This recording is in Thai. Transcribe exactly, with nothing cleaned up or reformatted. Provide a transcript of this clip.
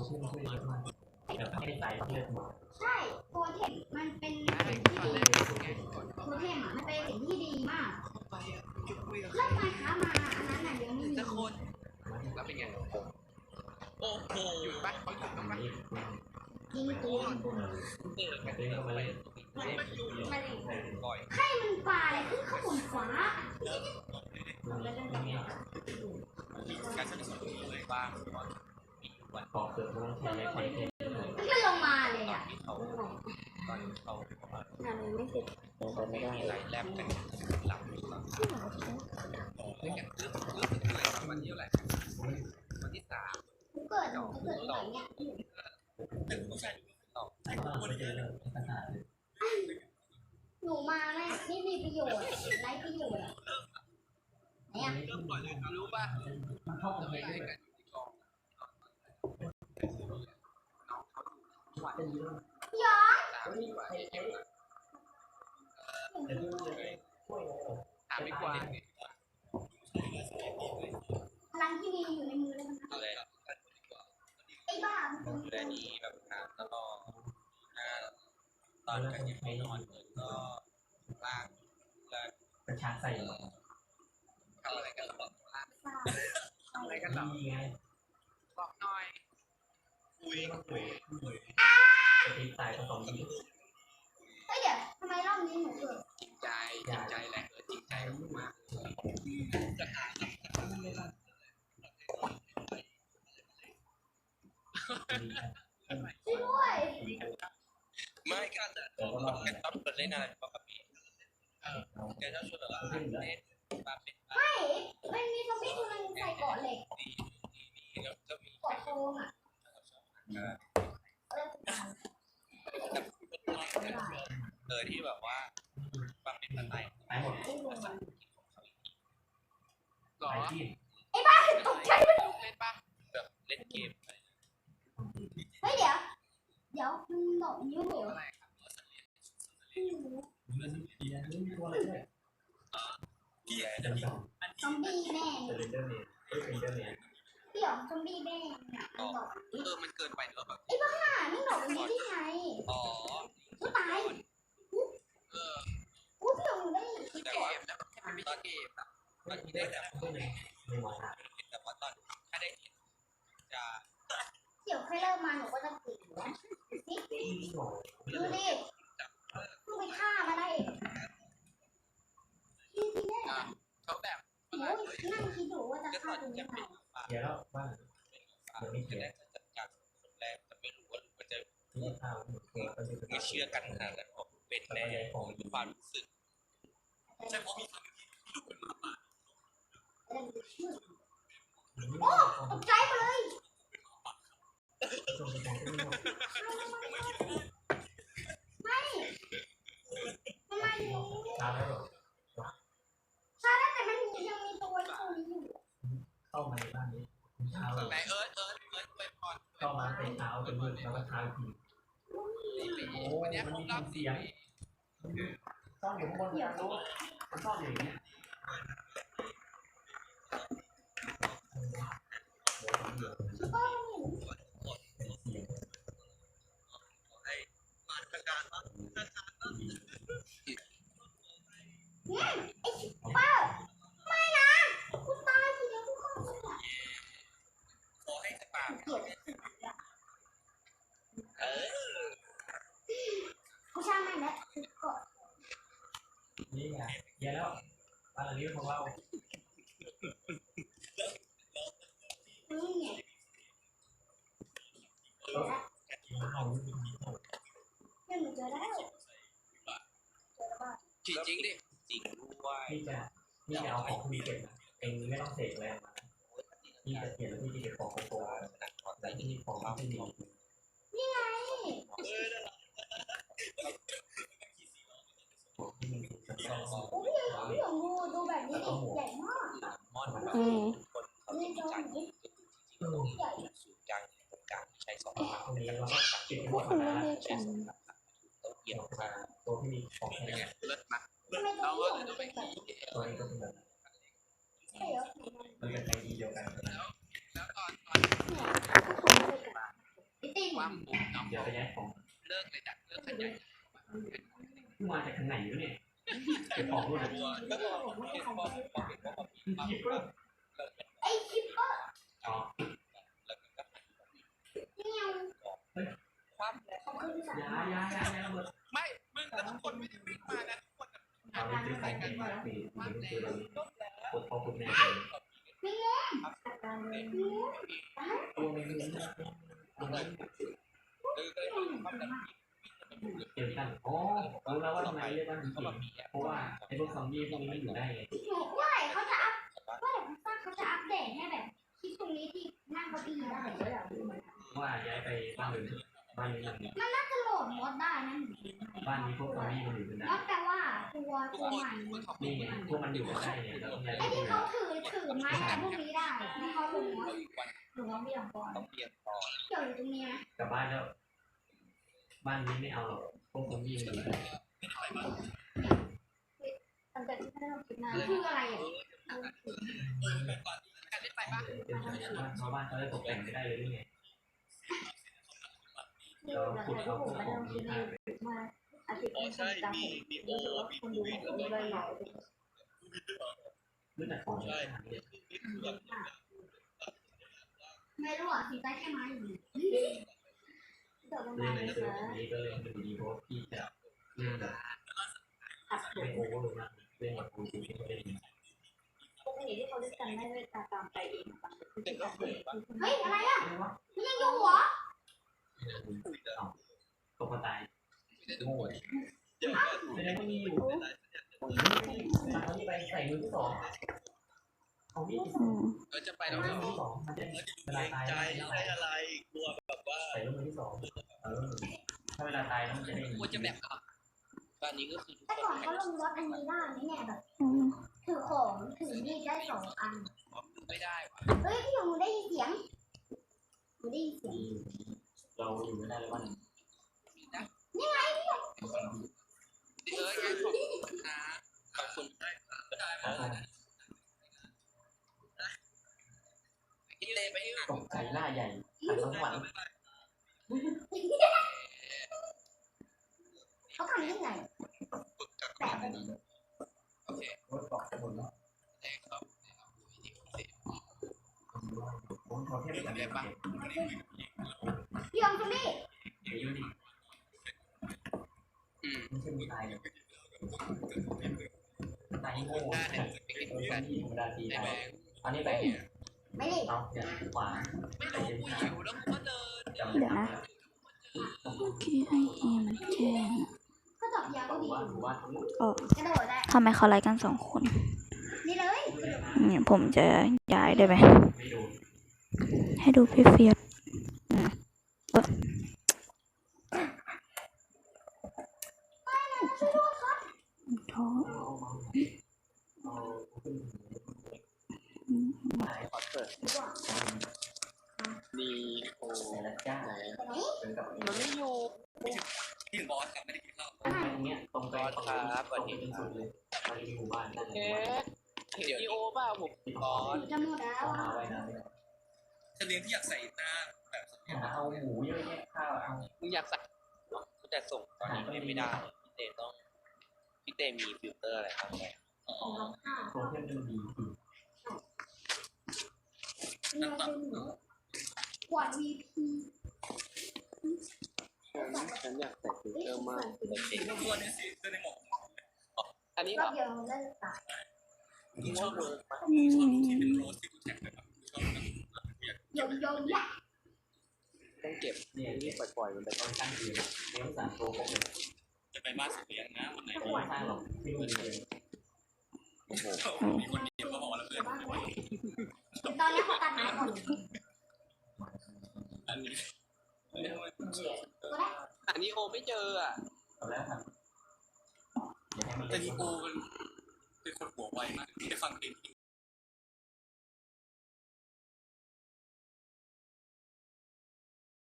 ขึ้นขึ้นเยอะมากแต่ไม่ได้ใส่เลือดหมดใช่โปรเทมมันเป็นสิ่งที่ดีโปรเทมอ่ะมันเป็นสิ่งที่ดีมากเรื่องมาค้ามาอันนั้นน่ะยังไม่มีสักคนแล้วเป็นไงโอ้โหหยุดปะเขาหยุดต้องปะยิงตัวเปิดกันเลยมาเลยบ่อยให้มันปลาอะไรขึ้นข้างบนฟ้าการสนุกเลยบ้างวันปอกเปลือกมันใช้ในคอนเทนต์มันลงมาเลยอ่ะเขาตอนเขางานไม่เสร็จไม่ได้ไรแลบกันหลับหรือเปล่าไม่กันเรื่องเรื่องอะไรวันที่อะไรวันที่สามเกิดเกิดอะไรเนี่ยถึงผู้ชายต่อหนูมาแม่นี่มีประโยชน์ไร้ประโยชน์เนี่ยรู้ป่ะมันเข้าไปให้กันที่กองน้องเขาดูวันย้อนสามสี่วันถามไม่กว่าพลังที่มีอยู่ในมือแล้วมันอะไรไอ้บ้าดูแลดีแบบถามตลอดตอนกันยังไม่นอนก็ล่างแล้วกระชากใส่ทำอะไรกันหรอทำอะไรกันหรอบอกหน่อยคุยคุยคุยจะตีสายผสมดีเฮ้ยเดี๋ยวทำไมรอบนี้หนูเกิดจริงใจจริงใจแหละเออจริงใจมากจะหาช่วยไม่กันอ่ะกันต้องเปิดเล่นอะไรปกติแกชอบชวนเหรอเล่นปาเป็นไม่มันมีซอมบี้ตัวนึงใส่เกาะเหล็กก็มีเกาะโฟมอ่ะเออที่แบบว่าปาเป็นอะไรตายหมดหรอไอ้บ้าตกใจมันเล่นป่ะแบบเล่นเกมเฮ้ยเดี๋ยวเดี๋ยวมันดอกนิ้วเหรอพี่แอนนี่ตัวอะไรด้วยพี่แอนซอมบี้แม่เดนเดอร์เมนเอ้ยเป็นเดอร์เมนพี่หรอซอมบี้แม่อ๋อเออมันเกินไปหรือเปล่าไอ้บ้าไม่ดอกนี้ได้ไงอ๋อกูตายเออกูพี่หลงได้คือเกมนะแค่ไม่ใช่เกมอะตอนที่ได้แบบไม่ไหวแต่ว่าตอนถ้าได้จะเดี๋ยวค่อยเริ่มมาหนูก็จะปิดนะนี่ดูดิเพิ่งไปฆ่ามาได้พี่พี่แม่เขาแบบโอ้ยนั่งคิดดูว่าจะฆ่าตรงนี้มาเดี๋ยวแล้วว่าเดี๋ยวไม่เจอจัดการคนแรกจะไม่รู้ว่ามันจะไม่เชื่อกันขนาดนั้นเป็นแน่ของความรู้สึกใช่เพราะมีคำที่ดูเป็นมาป่าโอ้ตกใจไปเลยไม่ทำไมถึงชาแล้วหรอชาแล้วแต่มันยังมีตัวตัวนี้อยู่เข้ามาในบ้านนี้เช้าไหนเอิร์ธเอิร์ธเอิร์ธไปก่อนเข้ามาเป็นเช้าเป็นมืดแล้วก็เช้าอีกวันนี้ผมรับเสียงต้องอยู่ข้างบนเนี่ยรู้มันชอบอย่างนี้ให้มาตรการว่าเนี่ยไอ้ชิปเปอร์ไม่นะกูตายทีเดียวกูเข้าไปอ่ะขอให้จะปากเออกูช่างแม่งแล้วกดนี่ไงเยอะแล้วบ้านหลังนี้ของเรานี่ไงเนี่ยหนูเจอแล้วจริงจริงดิจริงด้วยพี่จะพี่จะเอาของพี่เก็บนะเองไม่ต้องเสกอะไรมาพี่จะเก็บแล้วพี่จะเก็บของโกงแต่ที่นี่ของพี่ดีนี่ไงโอ้ยพี่หลงดูดูแบบนี้ดิใหญ่มากมอนแบบคนเขาจะมีจานที่ใหญ่สูงกลางตรงกลางใช้สองขาตรงนี้แล้วก็ติดหัวนะใช้สองขาต้องเกี่ยวมาตัวที่มีของแข็งเลิศมากเราก็เลยต้องไปขี่ตัวนี้ก็เป็นแบบใช่เหรอมันเป็นไอเดียเดียวกันแล้วแล้วตอนตอนเนี่ยก็คงไม่กันความปุ๊บน้องเดี๋ยวไปย้ายของเลิกเลยจ้ะเลิกขยายมาจากทางไหนวะเนี่ยเก็บของด้วยนะตัวก็บอกเห็นบอกบอกเห็นว่ามีคิปเปอร์ไอ้คิปเปอร์อ๋อเนี่ยความเขาขึ้นสายยายายายาหมดไม่มึงแล้วทุกคนไม่ได้วิ่งมานะทุกคนเอาไปซื้อของกินมาปีนี้คือเราปวดพ่อปวดแม่เลยการเงินตัวไม่มีตัวไม่เออเลยความดันเกี่ยวกันอ๋อรู้แล้วว่าทำไมเรียกว่าผีเขาแบบมีเพราะว่าไอ้พวกซอมบี้พวกนี้มันอยู่ได้ไงหนูว่าเขาจะอัพว่าเดี๋ยวเขาจะอัปเดตให้แบบที่ตรงนี้ที่นั่งเก้าอี้ได้เลยอะว่าย้ายไปบ้านอื่นบ้านนี้มันน่าจะโหลดมอดได้นะบ้านนี้พวกซอมบี้มันอยู่กันมได้อดแปลว่าตัวตัวใหม่นี่ไงพวกมันอยู่กันได้เนี่ยเราต้องย้ายไอ้ไปที่ที่เขาถือถือไม้แต่พวกนี้ได้ที่เขาลงมอดหรือว่าไม่ยอมก่อนต้องเปลี่ยนต่อเกี่ยวอยู่ตรงนี้นะกลับบ้านแล้วบ้านนี้ไม่เอาหรอกพวกซอมบี้มันอยู่ได้มันจะที่เราคิดมาคืออะไรอ่ะการเล่นไปปะชาวบ้านเขาได้ตกแต่งไม่ได้เลยนี่ไงคือเราเคยพูดมาเราคิดมาอาทิตย์นี้จะเห็นมีโอ้คนดูคนดูเลยหล่อรู้จักของใช่ไม่รู้อ่ะสีใต้แค่ไม้อยู่เดี๋ยวลงเล่มาน เลในยเซิร์ฟนะนี้ก็เล่นเป็นดีเพราะพี่จะเล่นแบบอัดผไม่มโอเวอร์มากเล่นแบบฟูลที่เขาเล่นปกติที่เขาเล่นกันไม่ได้ตามตามไปเองบางทีเด็กก็เคยปะเฮ้ยอะไรอ่ะมันยังอยู่หัวตกตายไม่ได้ทุกคนไม่ได้ก็มีอยู่มาเขาที่ไปใส่มือที่สองเขามีเออจะไปแล้วมืเหรออที่สองมันจะเวลาตายใจไม่อะไรกลัวแบบว่าใส่มือที่สองเออถ้าเวลาตายแล้วมันจะได้กลัวจะแบบตอนนี้ก็คือทุกแต่คนก่อนเขาลงรถอันนี้ได้ไหมเนี่ยแบบถือของถือมีดได้สองอันไม่ได้ว่ะเฮ้ยพี่หนูได้ยินเสียงหนูได้ยินเสียงเราอยู่ไม่ได้แล้ววันนี่ไงพี่เออแค่ขอบคุณนะขอบคุณได้กินเลยไปอ่ะตกใจล่าใหญ่ขันสวรรค์เขาทำยังไงฝึกจากแต่แบบโอเครถเกาะหมดแล้วแรงครับผมขอเทียบกับเด็กพี่ยองจุลี่อายุนี่อืมไม่ใช่มีตายเลยตายโง่หน้าเนี่เนี่ย ยเป็นเออการที่ธรรมดาทีในตายแบงค์อันนี้แบงค์ไม่ได้เอาเนี่ยขวาไม่รู้กูหิวแล้วกูก็เดินจำเดี๋ยวนะ เมื่อกี้ไอเอมันแจ้งก็ตอบยาวก็หมู่ดีบ้านหมู่บ้านทั้งหมดกระโดดได้ทำไมเขาไลฟ์กันสองคนนี่เลยเนี่ยผมจะย้ายได้ไหมไม่โดนให้ดูพี่เฟียสอืมเออท้อเอามาเอาขึ้นอืมตายขอเปิดมีโอ้แต่ละจ้าไหนเป็นกับมันไม่อยู่ที่บอสครับไม่ได้กินข้าวตรงไปเนี้ยตรงไปตรงไปเป็นสุดเลยตอนนี้หมู่บ้านนั่นเองเห็นดีโอเปล่าผมบอสจะหมดแล้วเอาอ่ะมาไว้นะจะเลี้ยงที่อยากใส่หน้าแบบหาเอาหมูเยอะแยะข้าวเอามึงอยากใส่กูจะส่งตอนนี้ไม่ได้พี่เต้ต้องพี่เต้มีฟิลเตอร์อะไรบ้างไหมของเราค่ะโปรเทมมันดีคือเราเป็นหนูกวาด วี พีฉันอยากใส่ฟิลเอ้ยเตอร์มากใส่สีตัวนี้สิตัวในหมอกอันนี้รเหรออบเดียวเลิกตัดชอบเวิร์กมากอืมที่เป็นโรสที่กูแท็กไปแบบชอบโยงโยงยะต้องเก็บเนี่ยนี่นี่ปล่อยๆมันไปตอนตั้งเดือนเลี้ยงสามโปรครบเลยจะไปบ้านสุดเลี้ยงนะวันไหนไม่สร้างหรอกไม่มีเลยโอ้โหมีคนเดียวก็บอกแล้วเพื่อนตอนนี้เขาตัดไม้หมดอันนี้ตัวแรกอันนี้โอไม่เจออ่ะเอาแล้วครับอย่าให้มันแต่เล่นนี่โอมันเป็นคนหัวไวมากที่ได้ฟังเพลง